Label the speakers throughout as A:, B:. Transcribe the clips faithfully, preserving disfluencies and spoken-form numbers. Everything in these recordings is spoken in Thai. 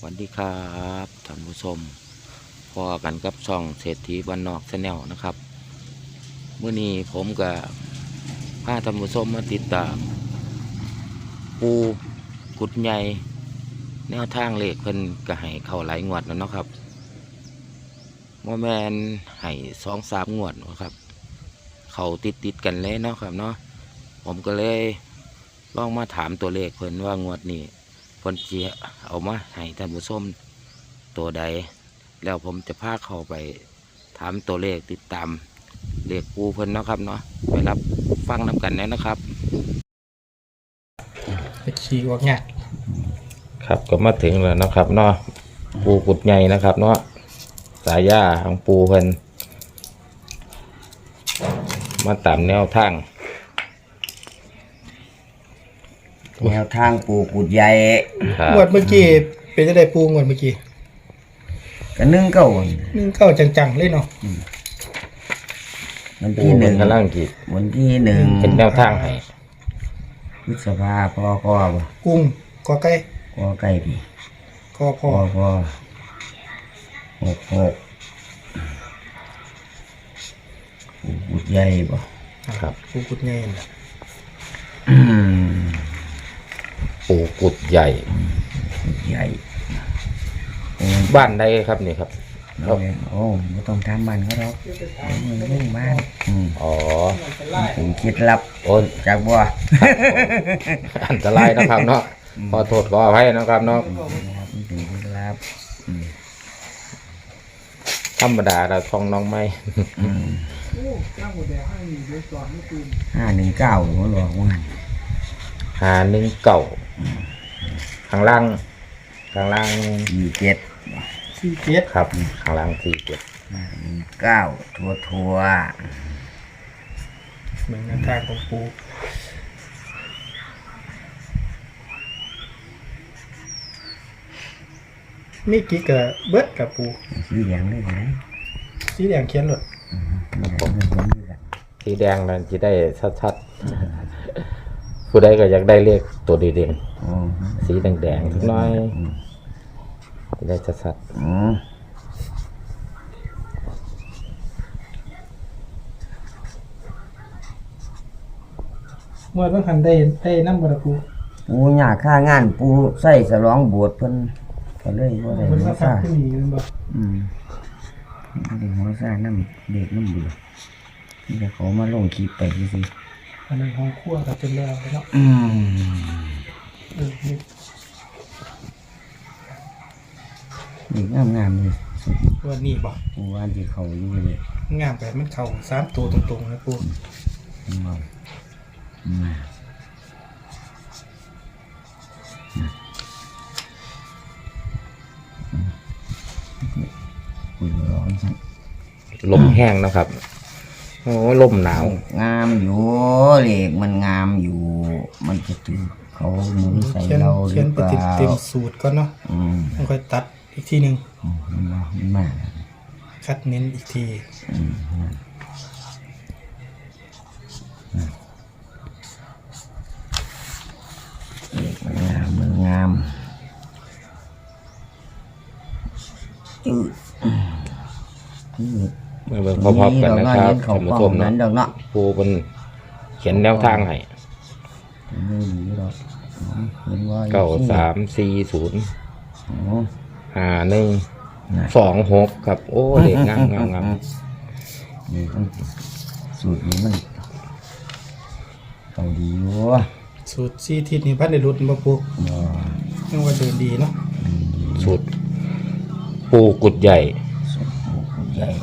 A: วัสดีครับท่านผู้ชมพอกันกับช่องเศรษฐีบ้านนอกแชนแนลนะครับเมื่อนี้ผมกับพาท่านผู้ชมมาติดตามปูกุดใหญ่แนวทางเลขเพิ่นก็ให้เข้าหลายงวดแล้วเนาะครับโมแมนให้สองสามงวดนะครับเข้าติดติดกันเลยเนาะครับเนาะผมก็เลยลองมาถามตัวเลขเพิ่นว่างวดนี้เพิ่นสิเอามาให้ท่านผู้ชมตัวใดแล้วผมจะพาเข้าไปถามตัวเลขติดตามเลขปูเพิ่นเนาะครับเนาะไปรับฟังน้ำกันแน่นะครับ
B: ไปขี่ออกเนี่ย
A: ครับก็มาถึงแล้วนะครับเนาะปูกุดใหญ่นะครับเนาะสายาของปูเพิ่นมาตามแนวทาง
C: แนวทางปูกุดใหญ่
B: งวดเมื่อกี้เป็นจะได้ปูงวดเมื่อกี้
C: กันนึ่งเก้า
B: นึ่งเก้าจังๆเลยเนาะ
C: วันที่หนึ่ง
A: กำลังกีด
C: วันที่หนึ่ง
A: เป็นแนวทางให้
C: พฤษภาพอคอบ่
B: กุ้งกอไก่
C: กอไก่พี่
B: กอพอ
C: พอหกหกปูกุดใหญ่บ่
B: ครับปูกุดใหญ่
A: ปูกุดใหญ่
C: ใหญ่
A: บ้านใดครับนี่ครับ
C: โอ้ไม่ต้องทำมันก็หรอกมันเรื่องบ้าน
A: อ๋อ
C: ผมคิดลับ
A: โอ้
C: จากบัว
A: อันตรายนะครับเนาะขอโทษขออภัยนะครับเนาะ
C: ถึงคิดลับ
A: ธรรมดาเราท่องน้องไม่
C: ห้าหนึ่งเก้าหัวหลอกว่า
A: ห้าหนึ่งเก้าข้างล่างข้างล่าง
C: สี่เจ็ด
B: สี่เจ็ด
A: ครับข้างล่างสี่เจ็ด
C: ห้าหนึ่งเก้าทัวทัว
B: เหมือนกันทางของปูมีกี่กะเบิดกับปู
C: สีแดงได้ไหม
B: สีแดงเขียนหลด
A: สีแดงนั้นจะได้ชัดๆผู้ใดก็อยากได้เลขตัวดีเด่นสีแดงๆทุกน้อยจะได้ชัดๆ
B: เมื่อวันหันได้ได้น้ำบาปู
C: ปูหยาค่างานปูใส่สลองบวชเพิ่นก็เลยว่าได้หัวซ่าอืมเด็กหัวซ่าน้ำเด็กน้ำเบื่อนี่แต่เขามาลงคลิปไปที่สิ
B: อันนั้นห้องครัวกับเป็นแล้วเนาะ
C: อืมนี่งามงามเลย
B: วันนี้บอก
C: วันที่เขาอยู่เลย
B: งามแบบมันเข่าสามตัวตรงๆนะปู
C: มา
A: ลมแห้งนะครับโอ้ลมหนาว
C: งามอยู่เหล็กมันงามอยู่มันจะถือเขาหมุนใส่เราหรือเปล่า
B: เต็มสูตรก็เนาะต้องค่อยตัดอีกทีหนึ่ง
C: มันมามันมา
B: คัดเน้นอีกที
C: มันงามมันงามจืด
A: มาเบิ่งพร้อมๆกันนะครับท่านผู้ชมเนาะปูเป็นเขียนแนวทางให้เก้าสามสี่ศูนย์ห้าหนึ่งสองหกครับโอ้เด็กงามงามงาม
C: นี่สูตรนี้มันเขาดีวะ
B: สูตรซีทิศนี่พันในรุ่นมาปูยังว่าเดินดีเนาะ
A: สูตรปูกุดใหญ่
C: กุดใหญ่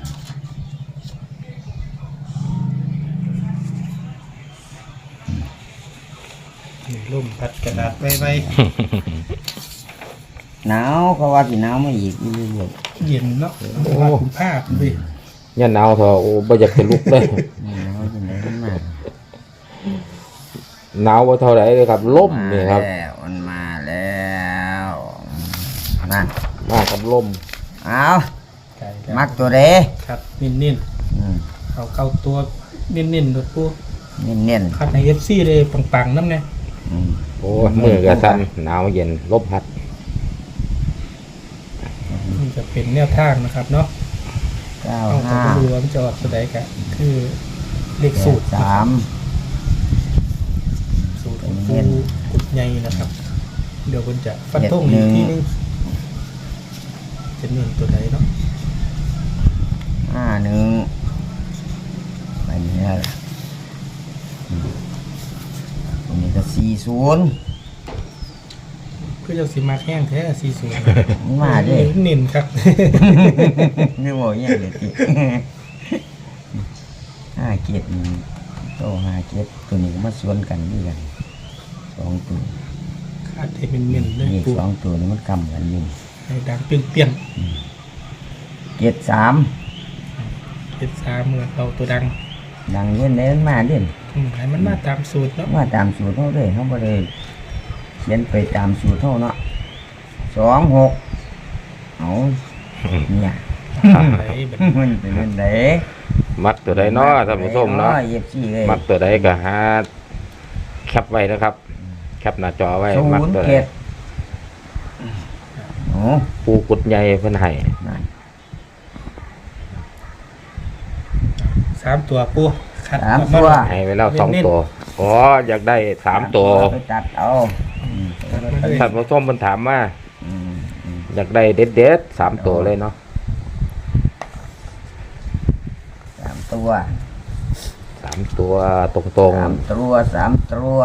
B: ลมพัดกระดาษไปไป
C: หนาวเขาว่าสิหนาวไม่อีกเรื่อย
B: ๆเย็นเนาะโอ้คุณภาพดิ
A: เนี่ยหนาวเถอะโอ้ไม่อยากจะลุกเลย
C: หนาวจนได้มาก
A: หนาวว่าเท่าไหร่เลยครับลมนี่ครับ
C: มันมาแล้วนั่น
A: มากับลม
C: เอามักตัวเด้
B: ครับนิ่นๆเอาเก้าตัวนิ่นๆโดดปู
C: นิ่น
B: ๆคัดในเอฟซีเลยปังๆน้ำไง
A: โอ้มือกระสันหนาวเย็นลมพัด
B: จะเป็นแนวทางนะครับเนาะ
C: เก้า
B: เอาของ
C: ห้า
B: ดูว่ามันจะออกตัวใดกันคือเลขสูตร
C: สาม
B: สูตรของปูกุดใหญ่นะครับ เดี๋ยวมันจะฟันธงอีกทีนึงจะเน้นตัวใดเนาะ
C: ห้าหนึ่งไปเนี่ยล่ะอืมอันนี้ก็สี่ศูนย์
B: เพื่อจะสิมาแห้งแท้สี่ศูนย์
C: มาเด้
B: เน้นครับ
C: นึกว่าอย่างเด็ด ห้าเกียรติโตห้าเกียรติตัวนี้ก็มาสวนกันด้วยกันสองตัว
B: คาดให้เป็นเน้นเลย
C: นี่
B: ปู
C: สองตัวนี้มันกำกันอยู่
B: ให้ดังเปรี้ยง
C: เกียรติสาม
B: ๆเจ็ดสามเหมือนเราตัวดัง
C: ดังเล่นเล่นมาเด่น
B: อืมให้มันมาตามสูตรเนาะ
C: มาตามสูตรเท่าเลยเขาบ่ได้เขียนไปตามสูตรเท่าเนาะสองหกเอาเนี่ย
B: ไหนแบบ
C: มันเป็นเรื่องใด
A: มักตัวใดเนาะท่านผู้ชมเนาะ
C: เอฟซีเลย
A: มักตัวใดก็หาแคปไว้นะครับ แคปหน้าจอไว้
C: ศู
A: มัก
C: นย์
A: ตัวใด
C: เจ็ดโอ้
A: ปูกุดใหญ่เพิ่นให้
C: นั่น
B: สามตัวปูคัด
C: สาม
B: ออก
C: ตัว
A: ให้ไว้แล้วสองตัวอ๋ออยากได้สามตัว
C: ไปตัดเอาอืม
A: ท่านผู้ชมเพิ่นถามว่า
C: อืมอืม
A: อยากได้เด็ดเด็ดๆสามตัวเลยเนาะ
C: สามตัว
A: สามตัวตรง
C: สามตัวสามตัว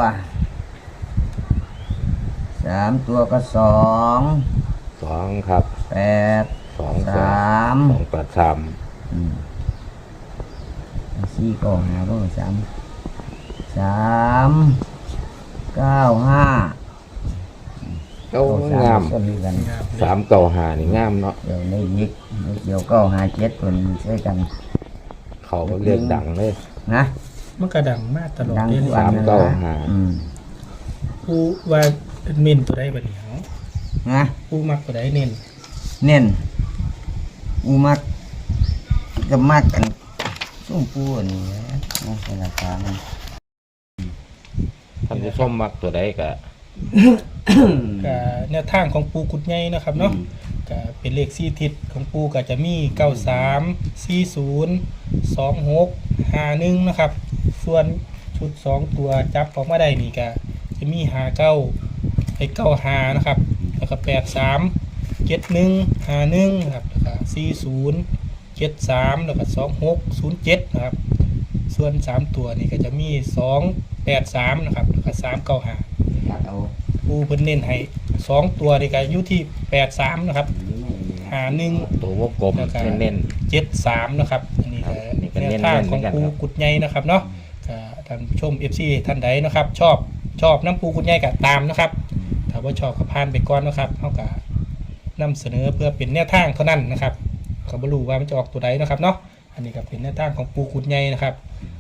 C: สามตัวก็สอง
A: ๆสองครับ
C: แปด
A: สอง
C: สาม
A: สองแปดสาม
C: อืมสี่ก็หาก็สามสามเก้าห้า
A: เก้างาม
C: ก็มีกัน
A: สามเก้าหานี่งามเนาะ
C: เดี๋ยวในยิกเดี๋ยวเก้าห้าเจ็ดตัวนี้ใช้กัน
A: เขาก็เรียกดังเลย
C: นะ
B: มันกระดังมากตลอด
C: ดัง
B: เลย
C: ทุก
A: สามเก้าห้า
C: อืม
B: ปูว่าเน้นตัวใดบัดนี้เนาะ
C: นะ
B: ปูมักตัวใดเน้น
C: เน้นอูมักกับมักกันส้มปูอันนี้นะนะเป็นราคามัน
A: ท่านผู้ชมมักตัวใดก็
B: ก็แนวทางของปูกุดใหญ่นะครับเนาะก็เป็นเลขสี่ทิศของปูก็จะมีเก้าสามสี่ศูนย์สองหกห้าหนึ่งนะครับ ส่วนชุดสองตัวจับออกมาได้นี่ก็จะมีห้าเก้าไอ้เก้าห้านะครับ แล้วก็แปดสามเจ็ดหนึ่งห้าหนึ่งนะครับแล้วก็สี่ศูนย์เจ็ดสามแล้วก็สองหกศูนย์เจ็ดนะครับ ส่วนสามตัวนี่ก็จะมีสองแปดสามนะครับแล้วก็สามเก้าห้า
C: ตัดเอา
B: ปูเพิ่นเน้นให้สองตัวนี่ก็อยู่ที่แปดสามนะครับหาหนึ่ง
A: ตัววงกลม
B: แล้วก็
A: เน้น
B: เจ็ดสามนะครับอันนี้
A: ครั
B: ก็
A: บนี่ก็
B: แน
A: เน้
B: วน ทางของ
A: เหมือนกัน
B: ปู
A: ครับ
B: กุดใหญ่นะครับเนาะก็ท่านผู้ชม เอฟ ซี ท่านใดนะครับ ชอบชอบน้ำปูกุดใหญ่ก็ตามนะครับถ้าว่าชอบก็ผ่านไปก่อนนะครับเฮาก็นำเสนอเพื่อเป็นแนวทางเท่านั้นนะครับก็บ่รู้ว่ามันจะออกตัวใดนะครับเนาะอันนี้ก็เป็นแนวทางของปูกุดใหญ่นะครับ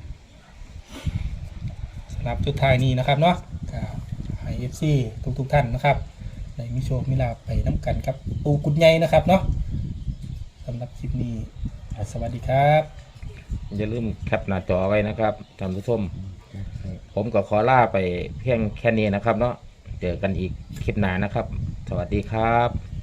B: สำหรับสุดท้ายนี้นะครับเนาะก็ให้ เอฟ ซี ทุกๆท่านนะครับได้มีโชคมีลาภไปน้ำกันครับปูกุดใหญ่นะครับเนาะสำหรับคลิปนี้สวัสดีครับ
A: ๆอย่าลืมแคปหน้าจอไว้นะครับท่านผู้ชม ผมก็ขอลาไปเพียงแค่นี้นะครับเนาะเจอกันอีกคลิปหน้านะครับ สวัสดีครับ